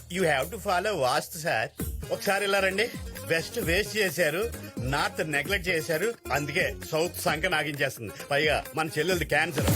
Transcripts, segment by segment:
You have to follow vastu sir. ఒకసారి ఇలా రండి. వెస్ట్ వేస్ట్ చేశారు, నార్త్ నెగ్లెక్ట్ చేశారు, అందుకే సౌత్ సంక నాగించేస్తుంది. పైగా మన చెల్లెలది క్యాన్సర్.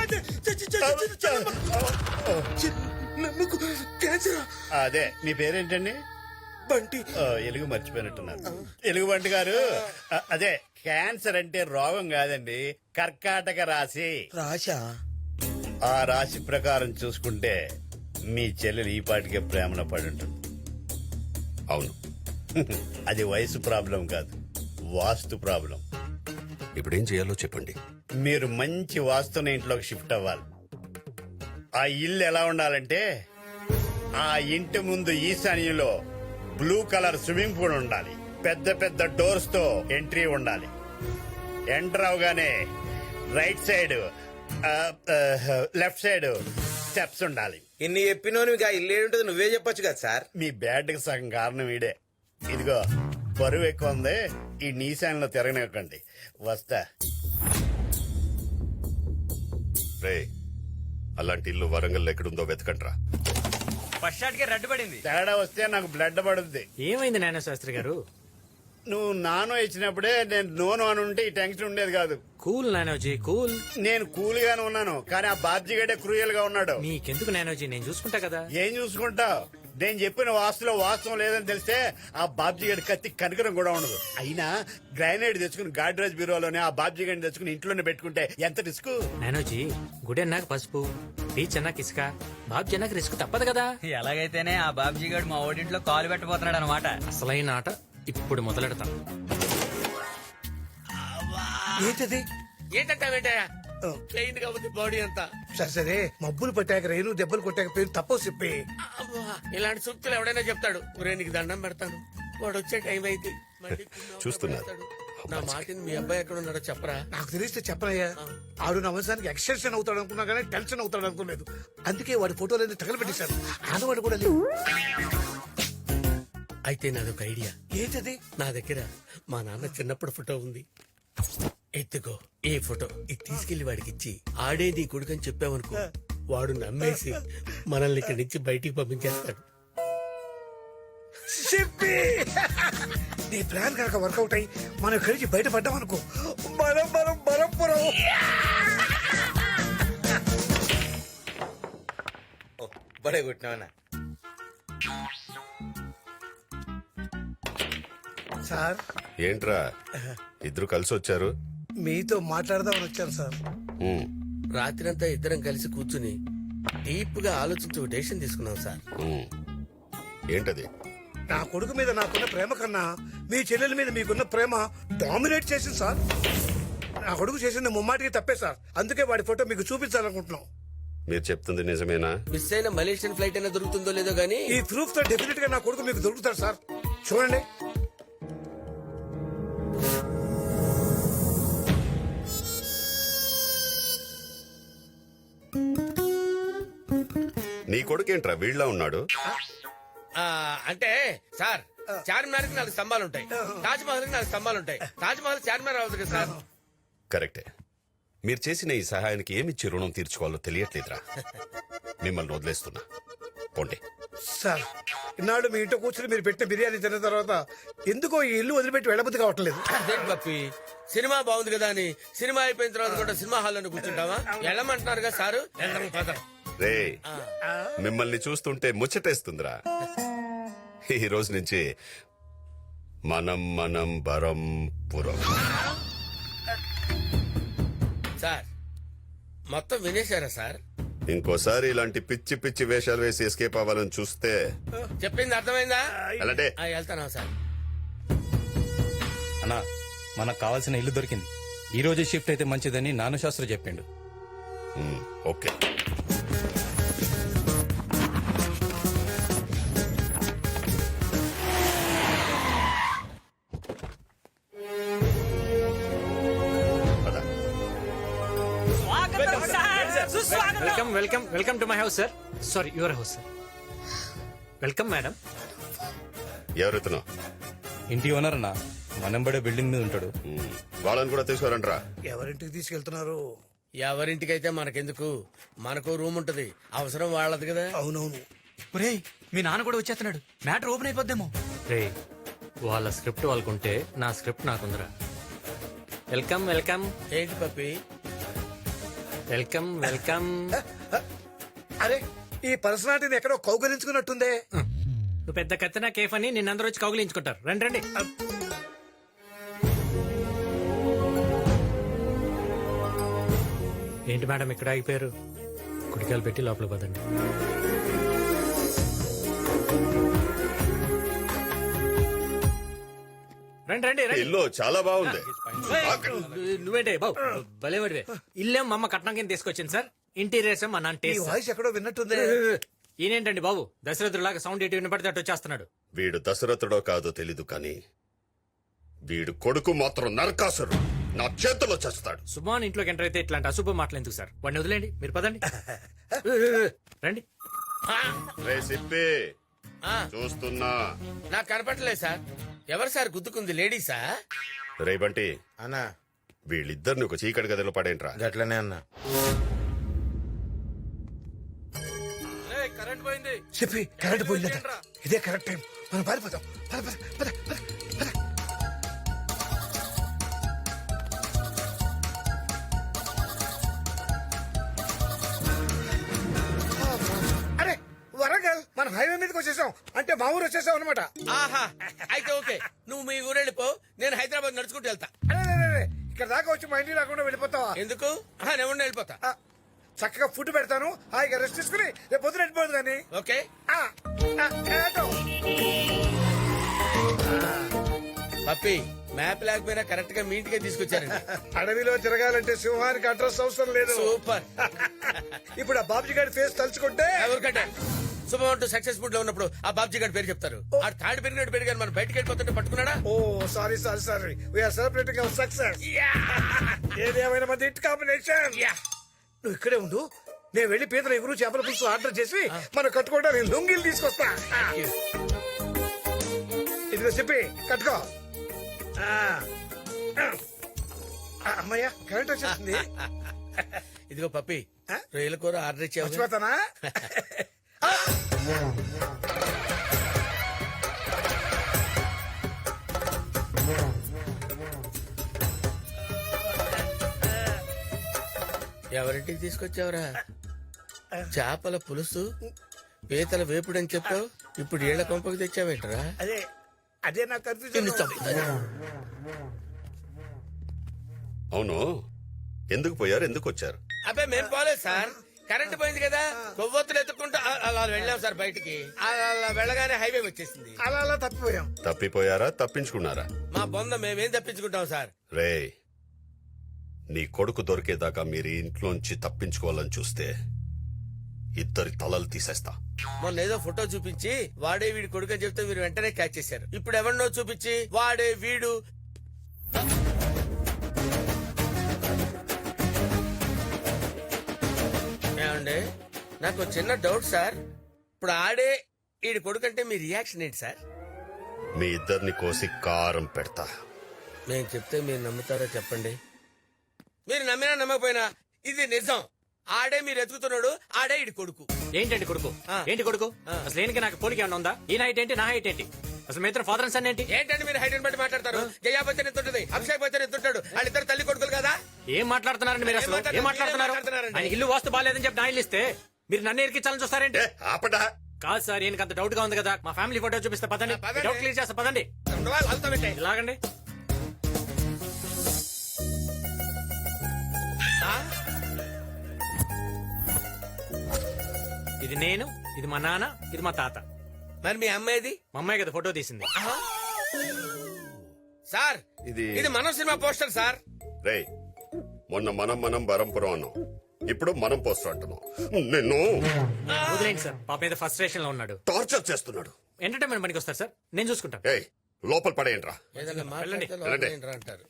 అదే మీ పేరేంటండి? బంటి. ఎలుగు మర్చిపోయినట్టున్నారు. ఎలుగు బంటి గారు, అదే క్యాన్సర్ అంటే రోగం కాదండి, కర్కాటక రాశి. రాశా? ఆ రాశి ప్రకారం చూసుకుంటే మీ చెల్లెలు ఈ పాటికే ప్రేమలో పడి ఉంటుంది. అవును. అది వయసు ప్రాబ్లం కాదు, వాస్తు ప్రాబ్లం. ఇప్పుడేం చేయాలో చెప్పండి. మీరు మంచి వాస్తున్న ఇంట్లోకి షిఫ్ట్ అవ్వాలి. ఆ ఇల్లు ఎలా ఉండాలంటే, ఆ ఇంటి ముందు ఈశాన్యంలో బ్లూ కలర్ స్విమ్మింగ్ పూల్ ఉండాలి, పెద్ద పెద్ద డోర్స్ తో ఎంట్రీ ఉండాలి, ఎంటర్ అవగానే right side left side steps ఉండాలి. ఇన్ని చెప్పినోని ఇల్లు ఏంటో నువ్వే చెప్పొచ్చు కదా సార్. మీ బ్యాడ్ కి సగం కారణం ఈడే. ఇదిగో బరువు ఎక్కువ ఉంది, ఈ నీశాన్లో తిరగనివ్వకండి. వస్తా. రే, అలాంటి ఇల్లు వరంగల్ ఎక్కడుందో వెతకండ్రా. ఫస్ట్ షాట్ కి రెడ్ పడింది. తేడా వస్తే నాకు బ్లడ్ పడుద్ది. ఏమైంది నాన్న శాస్త్రి గారు? నువ్వు నానో ఇచ్చినప్పుడే నేను నోను అని ఉంటే ఈ టెన్షన్ ఉండేది కాదు. కూల్ నానోజీ కూల్. నేను కూల్ గానే ఉన్నాను, కానీ ఆ బాబ్జీగడే క్రూయల్ గా ఉన్నాడు. నీకెందుకు నానోజీ, నేను చూసుకుంటా కదా. ఏం చూసుకుంటావు? నేను చెప్పిన వాస్తులో వాస్తవం లేదని తెలిస్తే ఆ బాబ్జీగడి కత్తి కనకరం కూడా ఉండదు. అయినా గ్రానైట్ తెచ్చుకుని గాడ్రేజ్ బ్యూరోలోనే ఆ బాబ్జీగడిని తెచ్చుకుని ఇంట్లోనే పెట్టుకుంటే ఎంత రిస్క్. నానోజీ, గుడి అన్నాక పసుపు, బీచ్ అన్నాక ఇసుక, బాబ్జీ అన్నాక రిస్క్ తప్పదు కదా. ఎలాగైతేనే ఆ బాబ్జీ గారు మా ఓడింట్లో కాలు పెట్టబోతున్నాడు అనమాట. అసలైన ఆట ఇప్పుడు మొదలెడతాం. ఏంటది? ఏంటంటావేంటయ్యా? ప్లెయిన్ గా ఉంది బాడీ అంతా. సరే సరే, మబ్బులు పట్టాక రేణు దెబ్బలు కొట్టాక పేరు తప్పో చెప్పి. అబ్బా, ఇలాంటి సూక్తులు ఎవడైనా చెప్తాడు. ఒరే నీకు దండం పెడతాను, వాడు వచ్చే టైం అయితే మళ్ళీ చూస్తున్నారు. నా మాటిని మీ అబ్బాయి ఎక్కడ ఉన్నాడో చెప్పరా. నాకు తెలిస్తే చెప్పనయ్యా. ఆడు నా వంశానికి ఎక్స్టెన్షన్ అవుతాడు అనుకున్నా కానీ టెన్షన్ అవుతాడు అనుకోలేదు. అందుకే వాడి ఫోటోలన్నీ తగలబెట్టేశారు. ఆడవాడు కూడా లేవు. అయితే నాదొక ఐడియా. ఏంటది? నా దగ్గర మా నాన్న చిన్నప్పుడు ఫోటో ఉంది. ఎత్తుకో ఈ ఫోటో, ఇది తీసుకెళ్లి వాడికి ఇచ్చి ఆడే నీ కొడుకని చెప్పావనుకో, వాడు నమ్మేసి మనల్ని ఇక్కడి నుంచి బయటికి పంపించేస్తాడు. చెప్పి నీ ప్లాన్ కనుక వర్కౌట్ అయ్యి మనం కలిసి బయటపడ్డాం అనుకో, మనం మనం బలంపురం. బడే కొట్టినావనా? సార్, ఏంట్రా ఇద్దరు కలిసి వచ్చారు? మీతో మాట్లాడదామని వచ్చాను సార్. ఉమ్, రాత్రంతా ఇద్దరం కలిసి కూర్చుని డీప్ గా ఆలోచించి ఒక డెసిషన్ తీసుకున్నాం సార్. ఉమ్. ఏంటది? నా కొడుకు మీద నాకున్న ప్రేమ కన్నా మీ చెల్లెల మీద మీకున్న ప్రేమ డామినేట్ చేసింది సార్. నా కొడుకు చేసింది ముమ్మాటికి తప్పే సార్. అందుకే వాడి ఫోటో మీకు చూపించాలనుకుంటున్నాం. మీరు చెప్తుంది నిజమేనా? మిస్ అయిన మలేషియన్ ఫ్లైట్ అయినా దొరుకుతుందో లేదో గానీ ఈ ప్రూఫ్ తో డెఫినెట్ గా నా కొడుకు మీకు దొరుకుతాడు సార్. చూడండి. నీ కొడుకేంట్రా వీళ్ళ ఉన్నాడు? అంటే సార్, చార్మినార్ కి 4 స్తంభాలు ఉంటాయి, తాజ్ మహల్ కి 4 స్తంభాలు ఉంటాయి. తాజ్ మహల్ చార్మినార్ అవ్వదు కదా సార్. కరెక్టే. మీరు చేసిన ఈ సహాయానికి ఏమిచ్చి రుణం తీర్చుకోవాలో తెలియట్లేదురా. మిమ్మల్ని వదిలేస్తున్నా, పోండి. సార్, ఇన్నాళ్ళు మీ ఇంట్లో కూర్చుని మీరు పెట్టిన బిర్యానీ తిన్న తర్వాత ఎందుకో ఈ ఇల్లు వదిలిపెట్టి వెళ్ళబుద్ధి కావట్లేదు. అదేంటి పప్పి, సినిమా బాగుంది కదా అని సినిమా అయిపోయిన తర్వాత కూడా సినిమా హాల్లో కూర్చుంటావా? వెళ్ళమంటున్నారు కదా సారు. రే, మిమ్మల్ని చూస్తుంటే ముచ్చటేస్తుందిరా. ఈ రోజు నుంచి మనం మనం బరం పురం. సార్, మొత్తం వినేశారా సార్? ఇంకోసారి ఇలాంటి పిచ్చి పిచ్చి వేషాలు వేసి ఎస్కేప్ అవ్వాలని చూస్తే చెప్పింది అర్థమైందా? అలాంటే వెళ్తానా సార్? అన్నా, మనకు కావాల్సిన ఇల్లు దొరికింది. ఈ రోజే షిఫ్ట్ అయితే మంచిదని నాను శాస్త్రి చెప్పిండు. Okay. Welcome welcome welcome to my house sir. Sorry, your house sir. Welcome madam. ఎవరెత్తునో? ఇంటి ఓనర్ అన్న, మనంబడే బిల్డింగ్ మీద ఉంటాడు. వాళ్ళని కూడా తీసుకురంట్రా. ఎవరింటికి తీసుకెళ్తున్నారు? ఎవరింటికైతే మనకెందుకు, మనకు రూమ్ ఉంటది, అవసరం వాళ్ళది కదా. అవునవును. ఒరేయ్, మీ నాన్న కూడా వచ్చేస్తున్నాడు మ్యాటర్ ఓపెన్ అయిపోద్దేమో. రే వాళ్ళ స్క్రిప్ట్ వాళ్ళకుంటే నా స్క్రిప్ట్ నాకుందిరా. వెల్కమ్ వెల్కమ్ ఏంటి పప్పి? Welcome welcome. అరే ఈ పర్సనాలిటీని ఎక్కడో కౌగలించుకున్నట్టుందే. నువ్వు పెద్ద కత్తినా కేఫ్ అని నిన్నందరూ వచ్చి కౌగిలించుకుంటారు. రండి రండి. ఏంటి మేడం ఇక్కడ ఆగిపోయారు? కుడికాయలు పెట్టి లోపల పదండి. రండి రండి రండి. ఇల్లు చాలా బాగుంది. నువ్వేంటే బాబు భలేవాడివే. ఇల్లేం మా అమ్మ కట్నం కింద తీసుకొచ్చింది సార్. ఇంటీరియర్స్ మా నాన్న ఈ టేస్ట్. వాయిస్ ఎక్కడో విన్నట్టుందే. ఈయనేంటండి బాబు దశరథులాగా సౌండ్ ఎటు వినపడితే అటు వచ్చేస్తున్నాడు. వీడు దశరథుడో కాదో తెలీదు కానీ వీడు కొడుకు మాత్రం నరకాసురు. నా చేతిలో చేస్తాడు. సుమాన్ ఇంట్లోకి ఎంటర్ అయితే ఇట్లాంటి అశుభ మాటలు ఎందుకు సార్? వాడిని వదిలేండి, మీరు పదండి. రండి. రే సిప్పి చూస్తున్నా. నాకు కనపడలేదు సార్. ఎవరు సార్ గుద్దుకుంది? లేడీసా? రే బంటి అన్నా వీళ్ళిద్దరిని ఒక చీకటి గదిలో పడేంట్రా. గట్లనే అన్నా. కరెంట్ పోయింది. చెప్పి కరెంట్ పోయిందట. ఇదే కరెక్ట్ టైం, మనం పారిపోతాం. పద, పద, పద, పద, పద. అరే వరంగల్, మనం హైవే మీదకి వచ్చేసాం. అంటే మా ఊరు వచ్చేసాం అనమాట. ఆహా, అయితే ఓకే. నువ్వు మీ ఊరు వెళ్ళిపో, నేను హైదరాబాద్ నడుచుకుంటూ వెళ్తా. అరే ఇక్కడ దాకా వచ్చి మా ఇంటికి రాకుండా వెళ్ళిపోతావా? ఎందుకు? నేను ఉండి వెళ్ళిపోతా. ఆ, చక్కగా ఫుడ్ పెడతాను, హాయిగా రెస్ట్ తీసుకుని రేపు పొద్దున వెళ్ళిపోదు కానీ. ఓకే. ఏటో. పప్పి మ్యాప్ లేకపోయినా కరెక్ట్ గా మీ ఇంటికే తీసుకొచ్చారండి. అడవిలో తిరగాలంటే సింహానికి అడ్రస్ అవసరం లేదు. సూపర్. ఇప్పుడు ఆ బాబుజీ గారి ఫేస్ తలుచుకుంటే ఎవరికంటే శుభమంటూ సక్సెస్ఫుల్ లో ఉన్నప్పుడు ఆ బాబ్జీ గారి పేరు చెప్తారు. ఆ థర్డ్ పెరిగినట్టు పెరిగారు, మనం బయటకు వెళ్ళిపోతుంటే పట్టుకున్నాడా? Oh sorry we are celebrating our success. ఏదేమైనా మంది హిట్ కాంబినేషన్. నువ్వు ఇక్కడే ఉండు, నేను వెళ్లి పీతల ఎగురు చేపల పులుసు ఆర్డర్ చేసి మనం కట్టుకోవడానికి లొంగిలు తీసుకొస్తా. ఇదిగో చెప్పి కట్టుకో. అమ్మయ్యా కరెంట్ వచ్చేస్తుంది. ఇదిగో పప్పి, రొయ్యల కూర ఆర్డర్ ఇచ్చావు. మర్చిపోతానా? ఎవరింటికి తీసుకొచ్చావురా? చేపల పులుసు, పీతల వేపుడని చెప్పావు, ఇప్పుడు ఏళ్ల కొంపకి తెచ్చావేంటరా? అదే నాకు కన్ఫ్యూజన్. అవును, ఎందుకు పోయారు, ఎందుకు వచ్చారు? అబ్బాయి మేము పోలేదు సార్, కరెంట్ పోయింది కదా, కొవ్వొత్తులు ఎత్తుకుంటూ అలా వెళ్ళాం సార్ బయటికి. అలా వెళ్ళగానే హైవే వచ్చేసింది. అలా తప్పిపోయాం. తప్పిపోయారా, తప్పించుకున్నారా? మా బొంద మేమేం తప్పించుకుంటాం సార్. రే, నీ కొడుకు దొరికేదాకా మీరు ఈ ఇంట్లోంచి తప్పించుకోవాలని చూస్తే ఇద్దరి తలలు తీసేస్తా. మొన్న ఏదో ఫోటో చూపించి వాడే వీడి కొడుకు అని చెప్తే మీరు వెంటనే క్యాచ్ చేశారు. ఇప్పుడు ఎవరినో చూపించి వాడే వీడు. ఏమండి, నాకు చిన్న డౌట్ సార్. ఇప్పుడు ఆడే వీడి కొడుకు అంటే మీ రియాక్షన్ ఏంటి సార్? మీ ఇద్దరిని కోసి కారం పెడతా. నేను చెప్తే మీరు నమ్ముతారో చెప్పండి. మీరు నమ్మినా నమ్మకపోయినా ఇది నిజం. ఆడే మీరు ఎత్తుకుతున్నాడు, ఆడే ఇడి కొడుకు. ఏంటండి కొడుకు? ఏంటి కొడుకు? అసలు ఏంటి నాకు పోలిక ఏమన్నా ఉందా? ఈ హైట్ ఏంటి, నా హైట్ ఏంటి? అసలు మీ ఇద్దరు ఫాదర్ అండ్ సన్ ఏంటి? ఏంటంటే మీరు హైట్ బట్టి మాట్లాడతారు? జయా బచ్చన్ ఎత్తుంటది, అభిషేక్ బచ్చన్ ఎత్తుంటాడు, వాళ్ళిద్దరు తల్లి కొడుకులు కదా. ఏం మాట్లాడుతున్నారండి మీరు? అసలు ఏం మాట్లాడుతున్నారు? ఆయన ఇల్లు వాస్తు బాగాలేదని చెప్పి నా ఇల్లు ఇస్తే మీరు నన్ను ఎరికించాలని చూస్తారేంటి? ఏ, ఆపడా. కాదు సార్, ఈయనకి అంత డౌట్ గా ఉంది కదా. మా ఫ్యామిలీ ఫోటో చూపిస్తే పదండి, పదండి. డౌట్ క్లియర్ చేస్తా పదండి. ఉండవా? వాళ్ళతో పెట్టే. ఇలాగండి. ఆ? ఇది నేను, ఇది మా నాన్న, ఇది మా తాత. మరి మీ అమ్మాయిది? మా అమ్మాయి కదా ఫోటో తీసింది. సార్ ఇది మనం సినిమా పోస్టర్ సార్. రే, మొన్న మనం బరంపురం అన్నాం, ఇప్పుడు మనం పోస్టర్ అంటున్నాం. నిన్ను వదిలేండి సార్, పాప మీద ఫ్రస్ట్రేషన్ లో ఉన్నాడు. టార్చర్ చేస్తున్నాడు. ఎంటర్టైన్మెంట్ పనికి వస్తారు సార్, నేను చూసుకుంటాను. ఏయ్, లోపల పడేయండిరా. ఏదైనా మాట్లాడితే వెళ్ళండి. లోపల ఏంట్రా అంటారు.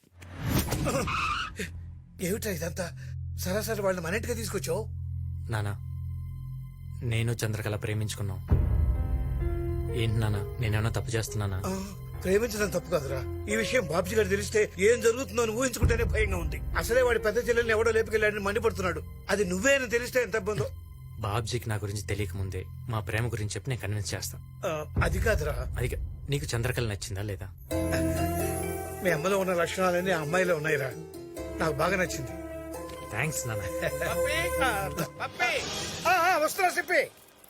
ఏమిటా ఇదంతా? సరాసరి వాళ్ళని మన ఇంటికి తీసుకొచ్చావు. నానా, నేను చంద్రకళ ప్రేమించుకున్నాం. ఏంటి నానా, నేనేమన్నా తప్పు చేస్తున్నానా? ప్రేమించడం తప్పు కాదురా. ఈ విషయం బాబ్జీ గారు తెలిస్తే ఏం జరుగుతుందో అని ఊహించుకుంటేనే భయంగా ఉంది. అసలే వాడి పెద్ద చెల్లెల్ని ఎవడో లేపుకెళ్ళాడని మండిపడుతున్నాడు. అది నువ్వే అని తెలిస్తే ఎంత ఇబ్బందో. బాబ్జీకి నా గురించి తెలియక ముందే మా ప్రేమ గురించి చెప్పి నేను కన్విన్స్ చేస్తా. అది కాదురా, అది నీకు చంద్రకళ నచ్చిందా లేదా? మీ అమ్మలో ఉన్న లక్షణాలన్నీ ఆ అమ్మాయిలో ఉన్నాయిరా. నాకు బాగా నచ్చింది. థ్యాంక్స్ నాన్న. వస్తున్నా చెప్పి.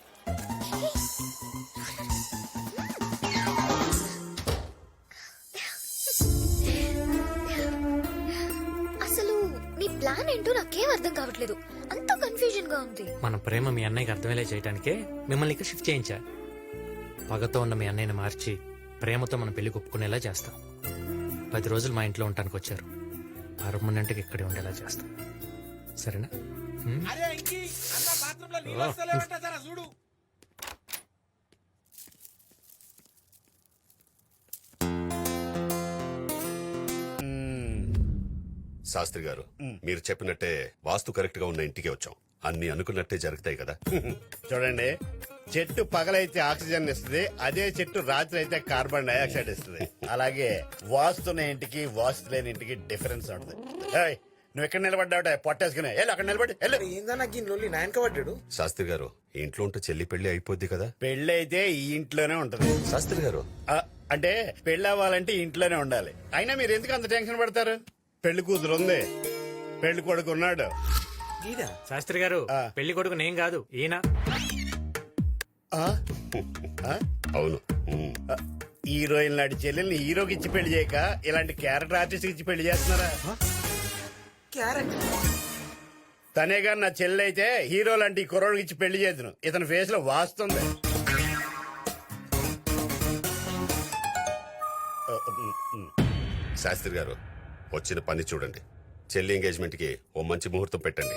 అసలు నీ ప్లాన్ ఏంటో నాకేం అర్థం కావట్లేదు. అంత కన్ఫ్యూజన్ గా ఉంది. మన ప్రేమ మీ అన్నయ్యకి అర్థమయ్యేలా చేయడానికే మిమ్మల్ని ఇక్కడ షిఫ్ట్ చేయించా. పగతో ఉన్న మీ అన్నయ్యని మార్చి ప్రేమతో మన పెళ్లి ఒప్పుకునేలా చేస్తాం. 10 రోజులు మా ఇంట్లో ఉండటానికి వచ్చారు. పర్మనెంట్ గా ఇక్కడే ఉండేలా చేస్తాం. సరేనా? హ్మ్? చూడు. శాస్త్రి గారు మీరు చెప్పినట్టే వాస్తు కరెక్ట్ గా ఉన్న ఇంటికి వచ్చాం. అన్ని అనుకున్నట్టే జరుగుతాయి కదా. చూడండి, చెట్టు పగలైతే ఆక్సిజన్ ఇస్తుంది, అదే చెట్టు రాత్రి అయితే కార్బన్ డైఆక్సైడ్ ఇస్తుంది. అలాగే వాస్తున్న ఇంటికి వాస్తు లేని ఇంటికి డిఫరెన్స్ ఉంటుంది. ఏయ్, నువ్వు ఎక్కడ నిలబడ్డావుట పొట్టేసుకునే వెళ్ళు, అక్కడ నిలబడి వెళ్ళు. ఏందన్నా ఈ లొల్లి నాయనక పడ్డాడు. శాస్త్రి గారు ఈ ఇంట్లో ఉంటే చెల్లి పెళ్లి అయిపోద్ది కదా. పెళ్లి అయితే ఈ ఇంట్లోనే ఉంటుంది. శాస్త్రి గారు ఆ, అంటే పెళ్లి అవ్వాలంటే ఇంట్లోనే ఉండాలి. అయినా మీరు ఎందుకు అంత టెన్షన్ పడతారు? పెళ్లి కూతురు ఉంది, పెళ్లి కొడుకు ఉన్నాడు. శాస్త్రి గారు, పెళ్లి కొడుకు నేను కాదు, ఈయన. ఆ? ఆ? అవును. ఉమ్. హీరోయిన్ లాంటి చెల్లెల్ని హీరోకి ఇచ్చి పెళ్లి చేయక ఇలాంటి క్యారెక్టర్ ఆర్టిస్ట్ ఇచ్చి పెళ్లి చేస్తున్నారా? తనే గాని నా చెల్లి అయితే హీరో లాంటి కుర్రోడికి ఇచ్చి పెళ్లి చేద్దును. ఇతని ఫేస్ లో వాస్తుంది. శాస్త్రి గారు వచ్చిన పని చూడండి. చెల్లి ఎంగేజ్మెంట్ కి ఓ మంచి ముహూర్తం పెట్టండి.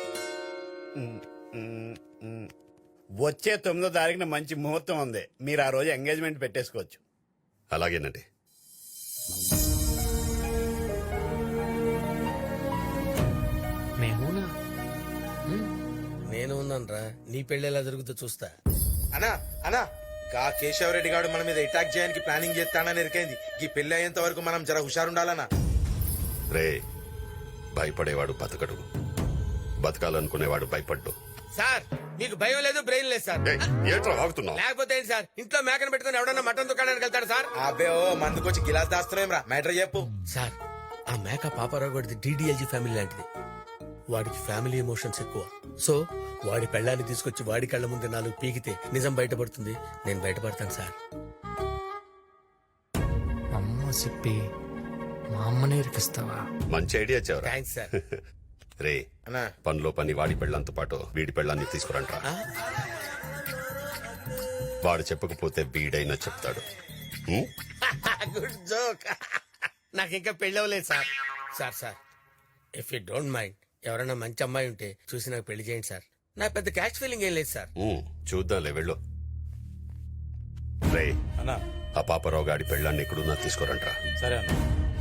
వచ్చే 9వ తారీఖున మంచి ముహూర్తం ఉంది. మీరు ఆ రోజు ఎంగేజ్మెంట్ పెట్టేసుకోవచ్చు. అలాగేనండి. మేమునా? నేను ఉన్నాను రా, నీ పెళ్లి ఎలా జరుగుతుందో చూస్తా. అనా అనా గా కేశవరెడ్డి గారు మన మీద అటాక్ చేయడానికి ప్లానింగ్ చేస్తానని ఎరికైంది. ఈ పెళ్లి అయ్యేంత వరకు మనం జర హుషారుండాలనా. రే, భయపడేవాడు బతకడు, బతకాలనుకునేవాడు భయపడ్డు. సార్ మీకు భయం లేదు, బ్రెయిన్ లేదు సార్. ఏయ్, ఏంట్రా వాగుతున్నావు? లేకపోతే ఏంటి సార్, ఇంట్లో మేకను పెట్టుకుని ఎవడన్నా మటన్ దుకాణానికి వెళ్తాడు సార్? అబ్బే ఓ మందుకొచ్చి గిలాస్ దాస్తున్నాం రా. మ్యాటర్ చెప్పు. సార్ ఆ మేక పాపారావు గడిది డిడిఎల్జీ ఫ్యామిలీ లాంటిది. వాడికి ఫ్యామిలీ ఎమోషన్స్ ఎక్కువ. సో వాడి పెళ్ళాన్ని తీసుకొచ్చి వాడి కళ్ళ ముందు 4 పీకితే నిజం బయటపడుతుంది. నేను బయటపడతాను సార్. అమ్మ చెప్పి మా అమ్మనే ఇరికిస్తావా? మంచి ఐడియా చెవరా. Thanks sir. రే, అన్నా పనిలో పని వాడి పెళ్ళంతో పాటు వీడి పెళ్ళాన్ని తీసుకురంట్రా. వాడు చెప్పకపోతే వీడైనా చెప్తాడు. ఉమ్? Good joke. నాకు ఇంకా పెళ్ళి అవ్వలేదు sir. Sir sir if you don't mind ఎవరైనా మంచి అమ్మాయి ఉంటే చూసి నాకు పెళ్లి చేయండి సార్. నా పెద్ద క్యాష్ ఫీలింగ్ ఏం లేదు సార్. చూద్దాంలే, వెళ్ళు. రే, అన్నా ఆ పాపరావు గాడి పెళ్ళాన్ని ఎక్కడున్నా తీసుకురంట్రా. సరే అన్న.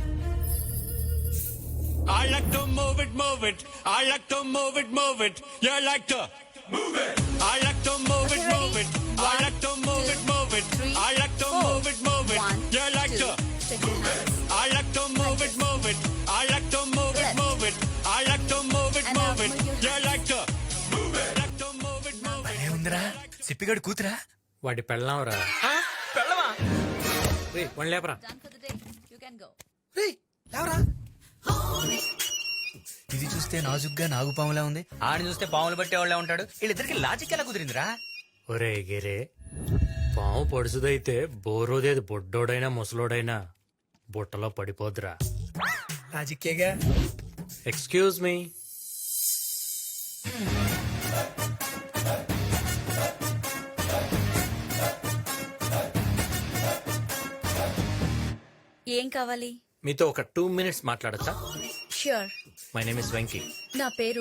I like to move it, move it. I like to move it, move it. You like to move it. I like to move it, move it. I like to move it, move it. I like to move it, move it. You like to move it. I like to move it, move it. I like to move it, move it. I like to move it, move it. You like to move it. Like to move it, move it. ఏముందిరా సిప్పిగడు కూతురా? వాడి పెళ్ళాంరా. పెళ్ళవా? One లేపరా. ఇది చూస్తే నాజుగ్గా నాగుపాములా ఉంది, ఆడిని చూస్తే పాములు పట్టేవాళ్ళే ఉంటాడు. వీళ్ళిద్దరికి లాజిక్ ఎలా కుదిరిందిరా? ఒరే గిరే, పాము పొడుసుదైతే బోరోదేది బొడ్డోడైనా ముసలోడైనా బుట్టలో పడిపోద్రా. లాజిక్కేగా. Excuse me. ఏం కావాలి? మీతో ఒక 2 minutes మాట్లాడచ్చా? Sure. My name is Venky. నా పేరు